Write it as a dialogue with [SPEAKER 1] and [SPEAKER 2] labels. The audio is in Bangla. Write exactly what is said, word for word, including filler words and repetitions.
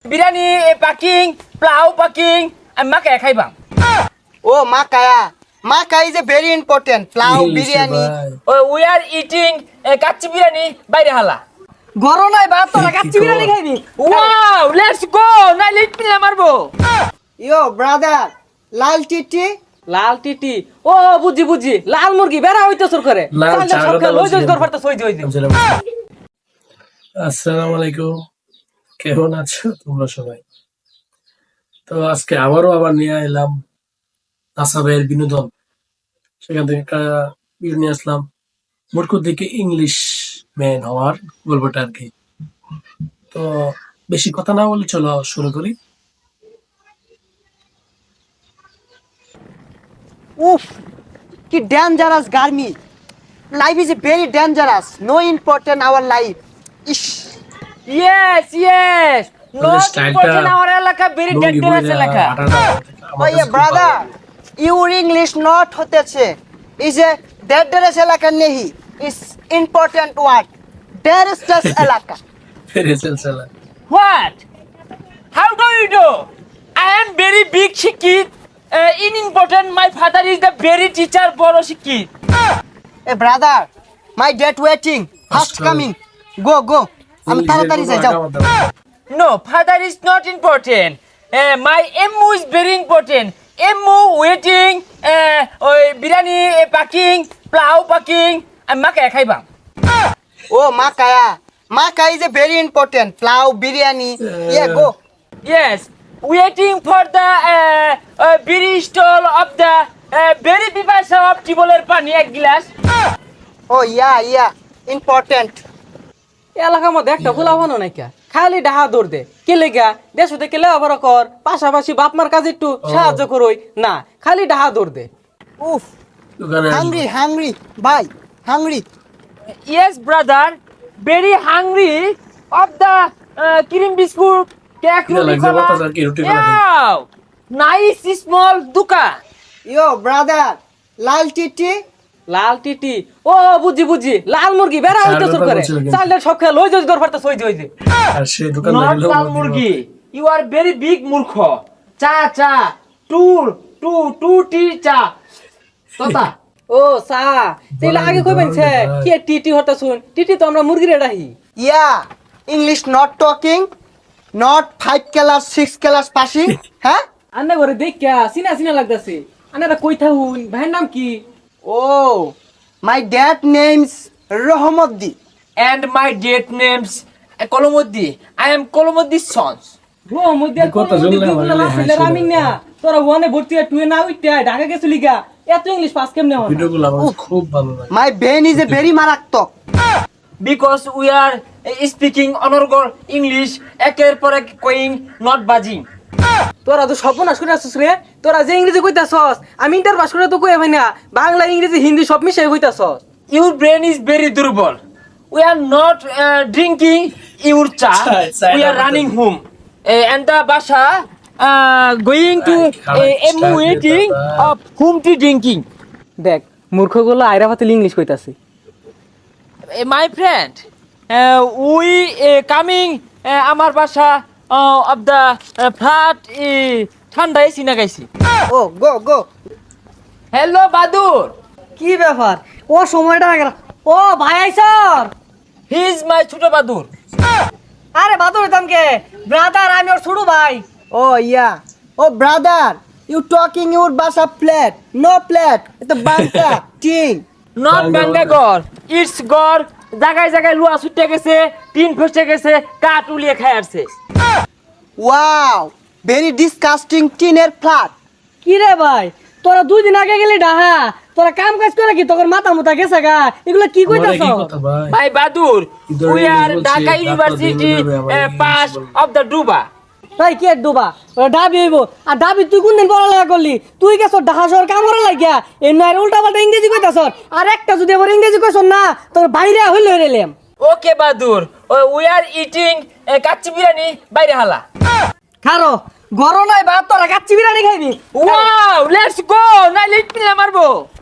[SPEAKER 1] বিরিয়ানি পাকিং প্লাউ পাকিং আমি মাকে খাইবাম
[SPEAKER 2] ও মাকায়া মাকা is a very important pulao biryani
[SPEAKER 1] we are eating kacchi biryani বাইরে হালা
[SPEAKER 3] গরম নাই ভাত তোরা কাচ্চি বিরিয়ানি খাইবি
[SPEAKER 1] ওয়াও লেটস গো না লিট মিলে মারবো
[SPEAKER 2] ইয়ো ব্রাদার লাল টিটি
[SPEAKER 3] লাল টিটি ও বুঝি বুঝি লাল মুরগি বেড়া হইতো সুর করে চালটা সব খেয়ে লই যাই তোর ফারটা সই দিই
[SPEAKER 4] আসসালামু আলাইকুম, কেমন আছো তোমরা সবাই? তো আজকে আবারও আবার নিয়ে এলাম নাসাবের বিনোদন। সেখান থেকে একটা ভিডিও নিয়ে আসলাম, মূর্খ দিকে ইংলিশ ম্যান হওয়ার গল্পটা আর কি। তো বেশি কথা না বলে চলো শুরু করি।
[SPEAKER 2] উফ কি ডেঞ্জারাস গার্মি life is a very dangerous no important our life is
[SPEAKER 1] yes yes not
[SPEAKER 4] স্টাইলটা
[SPEAKER 1] ইম্পর্টেন্ট আওয়ার এলাকা ভেরি ডেঞ্জারাস এলাকা
[SPEAKER 2] ওয়ে ব্রাদার ইউর ইংলিশ নট হতেছে ইজ এ ডেঞ্জারাস এলাকা নেহি ইজ ইম্পর্টেন্ট ওয়ার্ড ডেঞ্জারাস এলাকা
[SPEAKER 1] What? How do you do? I am very big Shikit. Uh, in important, my father is the very teacher, Boro Shikit.
[SPEAKER 2] এ brother my date waiting fast coming go go আমি তাড়াতাড়ি যাই যাও
[SPEAKER 1] No, father is not important. Uh, my M O is very important. M O waiting, uh, uh, biryani uh, packing, plow packing, and maka khaibam.
[SPEAKER 2] ও মাকায়া মাকা is a very important pulao biryani ইয়ে go
[SPEAKER 1] Yes, waiting for the uh, uh, biri stall of the uh, very pipasa of tiboler pani এক glass.
[SPEAKER 2] ও ইয়া ইয়া ইম্পর্টেন্ট
[SPEAKER 3] এলাকার মধ্যে একটা ফুলা বানো নাই কা খালি ডাহা দৌড় দে কে লেগা দেশ হতে কেলে আবার কর পাশাপাশি বাপ মার কাজে একটু সাহায্য করই না খালি ডাহা দৌড় দে
[SPEAKER 2] উফ হাংরি হাংরি বাই hungry
[SPEAKER 1] Yes, brother. Very hungry of the uh, cream biscuit, cake,
[SPEAKER 4] Yeah, like
[SPEAKER 1] roti
[SPEAKER 4] the what are roti cola?
[SPEAKER 1] Wow, nice small duka.
[SPEAKER 2] Yo brother লাল টিটি
[SPEAKER 3] লাল টিটি ও বুঝি বুঝি লাল মুরগি বেড়া হইতো সুর করে চালটা সব খেয়ে লই যাই তোর ফারটা সই দিই
[SPEAKER 4] আর সেই দোকান
[SPEAKER 1] Not lal murgi. You are very big murkho. Cha cha. Two two two tea cha. Tota.
[SPEAKER 3] ও সা তেলে আগে কইবেন ছে কি টিটি হতা শুন টিটি তো আমরা মুরগিরে ডাহি
[SPEAKER 2] yeah English not talking not five class six class passing হ্যাঁ
[SPEAKER 3] আন্না ঘরে দেখা সিনা সিনা লাগতাছে আন্নারা কই থাকুন ভাইয়ের নাম কি
[SPEAKER 2] ও my dad names Rahamaddi
[SPEAKER 1] And my date names uh, Kolomoddi. I am Kolomoddi's sons.
[SPEAKER 3] ও মধ্যে
[SPEAKER 4] কথা শুনলে আমার
[SPEAKER 3] না ছেলে রামিং না তোরা ওয়ানে ভর্তি হয়ে টুয়ে না উইটা ঢাকা গেছিলি গা এত ইংলিশ পাস কেমনে হয়
[SPEAKER 4] ভিডিওগুলো আমার খুব ভালো লাগে।
[SPEAKER 2] মাই বেন ইজ এ ভেরি মারাত্মক
[SPEAKER 1] Because we are uh, speaking honorable English, একের পর এক কইং not buzzing.
[SPEAKER 3] তোরা তো সর্বনাশ করে আসছিস রে তোরা যে ইংরেজি কইতাছস আমি ইন্টার পাস করে তো কই ভাই না বাংলা ইংরেজি হিন্দি সব মিশাই কইতাছস
[SPEAKER 1] Your brain is very durable. We are not uh, drinking your cha.
[SPEAKER 4] Chai,
[SPEAKER 1] We are
[SPEAKER 4] chai,
[SPEAKER 1] running home. Uh, and the basha uh, going to uh, M waiting of whom to drinking.
[SPEAKER 3] দেখ মূর্খগুলো আইরা পাতিল ইংলিশ কইতাছে
[SPEAKER 1] Uh, my friend, uh, we uh, coming uh, আমার বাসা uh, of the uh, flat uh, ঠান্ডা এসি না গাইছি
[SPEAKER 2] ও গো গো
[SPEAKER 1] হ্যালো বাদুর
[SPEAKER 3] কি ব্যাপার ও সময়টা হয়ে গেল ও ভাই আইছর
[SPEAKER 1] হি ইজ মাই ছোট বাদুর
[SPEAKER 3] আরে বাদর হইতামকে ব্রাদার আমি ওর ছোট ভাই
[SPEAKER 2] ও ইয়া ও ব্রাদার ইউ টকিং ইউর বাসা প্লেট নো প্লেট এটা বাংলা টিং
[SPEAKER 1] নট বাঙ্গা গর ইটস গর জায়গায় জায়গায় লুয়া ছুটে গেছে টিন ফেসে গেছে কাঠ উলিয়ে খায় আসছে
[SPEAKER 2] ওয়াও ভেরি ডিসকাস্টিং টিনের ফ্ল্যাট
[SPEAKER 3] কি রে ভাই তোরা দুই দিন আগে গেলি ডাহা তোরা কাম কাজ করে কি তোর মাথা মুতা গেছে গা এগুলো কি
[SPEAKER 4] আমার
[SPEAKER 3] কইতাছ
[SPEAKER 4] কি কথা ভাই?
[SPEAKER 1] ভাই বাদুর
[SPEAKER 4] ইদারে
[SPEAKER 1] উই আর
[SPEAKER 4] বলছে,
[SPEAKER 1] ঢাকা
[SPEAKER 4] ডাক্তার
[SPEAKER 1] ইউনিভার্সিটি
[SPEAKER 4] ধরে নেবে আমার
[SPEAKER 1] পাস
[SPEAKER 4] ইংলিশ
[SPEAKER 1] অফ দ্য ডুবা
[SPEAKER 3] ভাই কি ডুবা ওরা ডাবি হইব আর ডাবি তুই কোন দিন পড়ালেখা করলি তুই গেছ ঢাকা শহর কাম করা লাগিয়া এ নয় উল্টা পাল্টা ইংরেজি কইতাছ আর একটা যদি আবার ইংরেজি কইছ না তোর বাইরে হইল হইলাম
[SPEAKER 1] ওকে বাদুর we are eating kacchi biryani বাইরে হালা
[SPEAKER 3] খারো গরম নাই ভাত তোরা কাচ্চি বিরিয়ানি খাইবি
[SPEAKER 1] ওয়াও লেটস গো না লিট মিলে মারবো